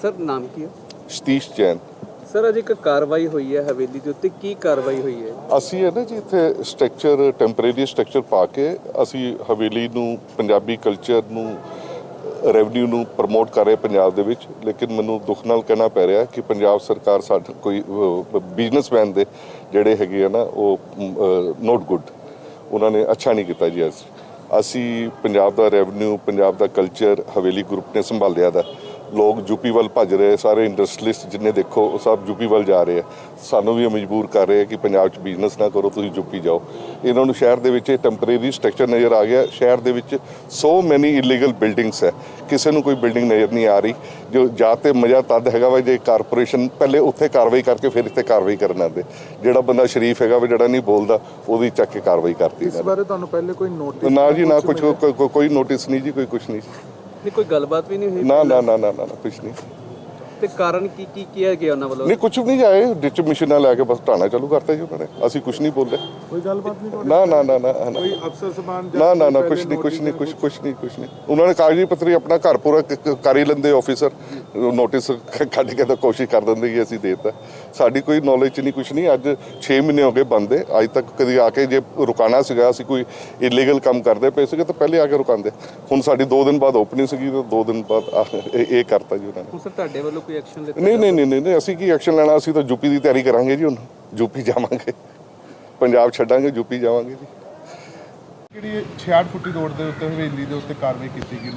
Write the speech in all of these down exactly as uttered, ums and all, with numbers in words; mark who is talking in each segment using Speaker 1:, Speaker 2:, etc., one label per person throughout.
Speaker 1: Sir ਨਾਮ ਕੀ ਹੈ?
Speaker 2: Satish Jain.
Speaker 1: Sir ਅੱਜ ਇੱਕ ਕਾਰਵਾਈ ਹੋਈ ਹੈ ਹਵੇਲੀ ਦੇ ਉੱਤੇ, ਕੀ ਕਾਰਵਾਈ ਹੋਈ ਹੈ?
Speaker 2: ਅਸੀਂ ਹੈ ਨਾ ਜੀ ਇੱਥੇ ਸਟਰਕਚਰ ਟੈਂਪਰੇਰੀ ਸਟਰਕਚਰ ਪਾ ਕੇ ਅਸੀਂ ਹਵੇਲੀ ਨੂੰ ਪੰਜਾਬੀ ਕਲਚਰ ਨੂੰ ਰੈਵਨਿਊ ਨੂੰ ਪ੍ਰਮੋਟ ਕਰ ਰਹੇ ਪੰਜਾਬ ਦੇ ਵਿੱਚ। ਲੇਕਿਨ ਮੈਨੂੰ ਦੁੱਖ ਨਾਲ ਕਹਿਣਾ ਪੈ ਰਿਹਾ ਕਿ ਪੰਜਾਬ ਸਰਕਾਰ ਸਾਡੇ ਕੋਈ ਬਿਜ਼ਨਸਮੈਨ ਦੇ ਜਿਹੜੇ ਹੈਗੇ ਆ ਨਾ ਉਹ ਨੋਟ ਗੁੱਡ, ਉਹਨਾਂ ਨੇ ਅੱਛਾ ਨਹੀਂ ਕੀਤਾ ਜੀ। ਅਸੀਂ ਅਸੀਂ ਪੰਜਾਬ ਦਾ ਰੈਵਨਿਊ ਪੰਜਾਬ ਦਾ ਕਲਚਰ ਹਵੇਲੀ ਗਰੁੱਪ ਨੇ ਸੰਭਾਲਿਆ ਦਾ। ਲੋਕ ਯੂਪੀ ਵੱਲ ਭੱਜ ਰਹੇ, ਸਾਰੇ ਇੰਡਸਟਰੀਲਿਸਟ ਜਿੰਨੇ ਦੇਖੋ ਉਹ ਸਭ ਯੂਪੀ ਵੱਲ ਜਾ ਰਹੇ ਆ। ਸਾਨੂੰ ਵੀ ਮਜਬੂਰ ਕਰ ਰਹੇ ਕਿ ਪੰਜਾਬ 'ਚ ਬਿਜ਼ਨਸ ਨਾ ਕਰੋ, ਤੁਸੀਂ ਯੂਪੀ ਜਾਓ। ਇਹਨਾਂ ਨੂੰ ਸ਼ਹਿਰ ਦੇ ਵਿੱਚ ਟੈਂਪਰੇਰੀ ਸਟਰਕਚਰ ਨਜ਼ਰ ਆ ਗਿਆ। ਸ਼ਹਿਰ ਦੇ ਵਿੱਚ ਸੋ ਮੈਨੀ ਇਲੀਗਲ ਬਿਲਡਿੰਗਸ ਹੈ, ਕਿਸੇ ਨੂੰ ਕੋਈ ਬਿਲਡਿੰਗ ਨਜ਼ਰ ਨਹੀਂ ਆ ਰਹੀ। ਜੋ ਜਾਂ ਤਾਂ ਮਜ਼ਾ ਤਦ ਹੈਗਾ ਵਾ ਜੇ ਕਾਰਪੋਰੇਸ਼ਨ ਪਹਿਲੇ ਉੱਥੇ ਕਾਰਵਾਈ ਕਰਕੇ ਫਿਰ ਇੱਥੇ ਕਾਰਵਾਈ ਕਰਨ ਆਉਂਦੇ। ਜਿਹੜਾ ਬੰਦਾ ਸ਼ਰੀਫ ਹੈਗਾ ਵਾ, ਜਿਹੜਾ ਨਹੀਂ ਬੋਲਦਾ, ਉਹਦੀ ਚੱਕ ਕੇ ਕਾਰਵਾਈ ਕਰਤੀ।
Speaker 3: ਇਸ ਬਾਰੇ ਤੁਹਾਨੂੰ ਪਹਿਲੇ ਕੋਈ ਨੋਟਿਸ?
Speaker 2: ਨਾ ਜੀ ਨਾ, ਕੁਝ ਕੋਈ ਨੋਟਿਸ ਨਹੀਂ ਜੀ, ਕੋਈ ਕੁਝ ਨਹੀਂ।
Speaker 1: ਨਹੀਂ ਕੋਈ ਗੱਲਬਾਤ ਵੀ ਨਹੀਂ ਹੋਈ?
Speaker 2: ਨਾ ਨਾ ਨਾ ਨਾ ਨਾ ਕੁਝ ਨਹੀਂ।
Speaker 1: ਤੇ ਕਾਰਨ ਕੀ ਕੀ ਕਿਹਾ ਗਿਆ ਉਹਨਾਂ ਵੱਲੋਂ?
Speaker 2: ਨਹੀਂ ਕੁਝ ਵੀ ਨਹੀਂ ਜਾਏ, ਡਿਚ ਮਸ਼ੀਨਾਂ ਲੈ ਕੇ ਬਸ ਢਾਣਾ ਚਾਲੂ ਕਰਤਾ ਜੀ ਉਹਨਾਂ ਨੇ। ਅਸੀਂ ਕੁਝ ਨਹੀਂ ਬੋਲੇ।
Speaker 3: ਕੋਈ ਗੱਲਬਾਤ ਨਹੀਂ?
Speaker 2: ਨਾ ਨਾ ਨਾ ਨਾ
Speaker 3: ਕੋਈ ਅਫਸਰ ਸਮਾਨ?
Speaker 2: ਨਾ ਨਾ ਨਾ ਕੁਝ ਨਹੀਂ ਕੁਝ ਨਹੀਂ ਕੁਝ ਕੁਝ ਨਹੀਂ ਕੁਝ ਨਹੀਂ। ਉਹਨਾਂ ਨੇ ਕਾਗਜ਼ੀ ਪੱਤਰੀ ਆਪਣਾ ਘਰ ਪੂਰਾ ਕਰ ਹੀ ਲੈਂਦੇ ਆਫੀਸਰ, ਨੋਟਿਸ ਕੱਢ ਕੇ ਤਾਂ ਕੋਸ਼ਿਸ਼ ਕਰ ਦਿੰਦੇ ਕਿ ਅਸੀਂ ਦੇ ਦਿੱਤਾ। ਸਾਡੀ ਕੋਈ ਨੌਲੇਜ 'ਚ ਨਹੀਂ ਕੁਝ ਨਹੀਂ। ਅੱਜ ਛੇ ਮਹੀਨੇ ਹੋ ਗਏ ਬੰਦ ਹੈ। ਅੱਜ ਤੱਕ ਕਦੀ ਆ ਕੇ ਜੇ ਰੁਕਾਣਾ ਸੀਗਾ, ਅਸੀਂ ਕੋਈ ਇਲੀਗਲ ਕੰਮ ਕਰਦੇ ਪਏ ਸੀਗੇ ਤਾਂ ਪਹਿਲੇ ਆ ਕੇ ਰੁਕਾਉਂਦੇ। ਹੁਣ ਸਾਡੀ ਦੋ ਦਿਨ ਬਾਅਦ ਓਪਨਿੰਗ ਸੀਗੀ ਤਾਂ ਦੋ ਦਿਨ ਬਾਅਦ ਇਹ ਕਰਤਾ ਜੀ ਉਹਨਾਂ ਨੇ।
Speaker 1: ਸਰ ਤੁਹਾਡੇ ਵੱਲੋਂ ਕੋਈ ਐਕਸ਼ਨ ਲਿੱਤਾ?
Speaker 2: ਨਹੀਂ ਨਹੀਂ ਨਹੀਂ ਨਹੀਂ, ਅਸੀਂ ਕੀ ਐਕਸ਼ਨ ਲੈਣਾ? ਅਸੀਂ ਤਾਂ ਯੂਪੀ ਦੀ ਤਿਆਰੀ ਕਰਾਂਗੇ ਜੀ। ਹੁਣ ਯੂਪੀ ਜਾਵਾਂਗੇ, ਪੰਜਾਬ ਛੱਡਾਂਗੇ, ਯੂਪੀ ਜਾਵਾਂਗੇ ਜੀ।
Speaker 3: ਜਿਹੜੀ ਛਿਆਹਠ ਫੁੱਟੀ ਰੋਡ ਦੇ ਉੱਤੇ ਹਵੇਲੀ ਦੇ ਉੱਤੇ ਕਾਰਵਾਈ ਕੀਤੀ ਗਈ,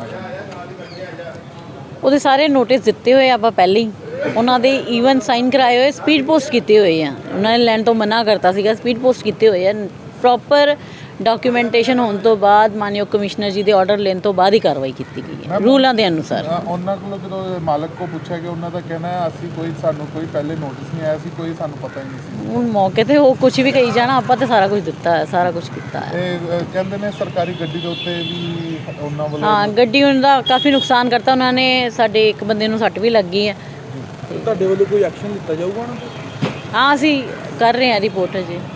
Speaker 4: ਉਹਦੇ ਸਾਰੇ ਨੋਟਿਸ ਦਿੱਤੇ ਹੋਏ ਆਪਾਂ ਪਹਿਲੇ ਹੀ। ਉਹਨਾਂ ਦੇ ਈਵਨ ਸਾਈਨ ਕਰਾਏ ਹੋਏ, ਸਪੀਡ ਪੋਸਟ ਕੀਤੇ ਹੋਏ ਆ। ਉਹਨਾਂ ਨੇ ਲੈਣ ਤੋਂ ਮਨਾ ਕਰਤਾ ਸੀਗਾ, ਸਪੀਡ ਪੋਸਟ ਕੀਤੇ ਹੋਏ ਆ। ਪ੍ਰੋਪਰ ਡਾਕੂਮੈਂਟੇਸ਼ਨ ਹੋਣ ਤੋਂ ਬਾਅਦ ਮਾਨਯੋਗ ਕਮਿਸ਼ਨਰ ਜੀ ਦੇ ਆਰਡਰ ਲੈਣ ਤੋਂ ਬਾਅਦ ਹੀ ਕਾਰਵਾਈ ਕੀਤੀ ਗਈ ਹੈ ਰੂਲਾਂ ਦੇ ਅਨੁਸਾਰ।
Speaker 3: ਉਹਨਾਂ ਕੋਲੋਂ ਜਦੋਂ ਮਾਲਕ ਕੋ ਪੁੱਛਿਆ ਕਿ ਉਹਨਾਂ ਦਾ ਕਹਿਣਾ ਹੈ ਅਸੀਂ ਕੋਈ ਸਾਨੂੰ ਕੋਈ ਪਹਿਲੇ ਨੋਟਿਸ ਨਹੀਂ ਆਇਆ ਸੀ, ਕੋਈ ਸਾਨੂੰ ਪਤਾ ਹੀ ਨਹੀਂ ਸੀ।
Speaker 4: ਹੁਣ ਮੌਕੇ ਤੇ ਉਹ ਕੁਝ ਵੀ ਕਹੀ ਜਾਣਾ, ਆਪਾਂ ਤੇ ਸਾਰਾ ਕੁਝ ਦਿੱਤਾ ਹੈ, ਸਾਰਾ ਕੁਝ ਕੀਤਾ ਹੈ।
Speaker 3: ਇਹ ਕਹਿੰਦੇ ਨੇ ਸਰਕਾਰੀ ਗੱਡੀ ਦੇ ਉੱਤੇ ਵੀ ਉਹਨਾਂ ਵੱਲੋਂ।
Speaker 4: ਹਾਂ, ਗੱਡੀ ਉਹਨਾਂ ਦਾ ਕਾਫੀ ਨੁਕਸਾਨ ਕਰਤਾ ਉਹਨਾਂ ਨੇ। ਸਾਡੇ ਇੱਕ ਬੰਦੇ ਨੂੰ ਸੱਟ ਵੀ ਲੱਗੀ ਹੈ।
Speaker 3: ਤੁਹਾਡੇ ਵੱਲੋਂ ਕੋਈ ਐਕਸ਼ਨ ਲਿੱਤਾ ਜਾਊਗਾ ਉਹਨਾਂ ਤੇ?
Speaker 4: ਹਾਂ, ਅਸੀਂ ਕਰ ਰਹੇ ਹਾਂ ਰਿਪੋਰਟ ਅਜੇ।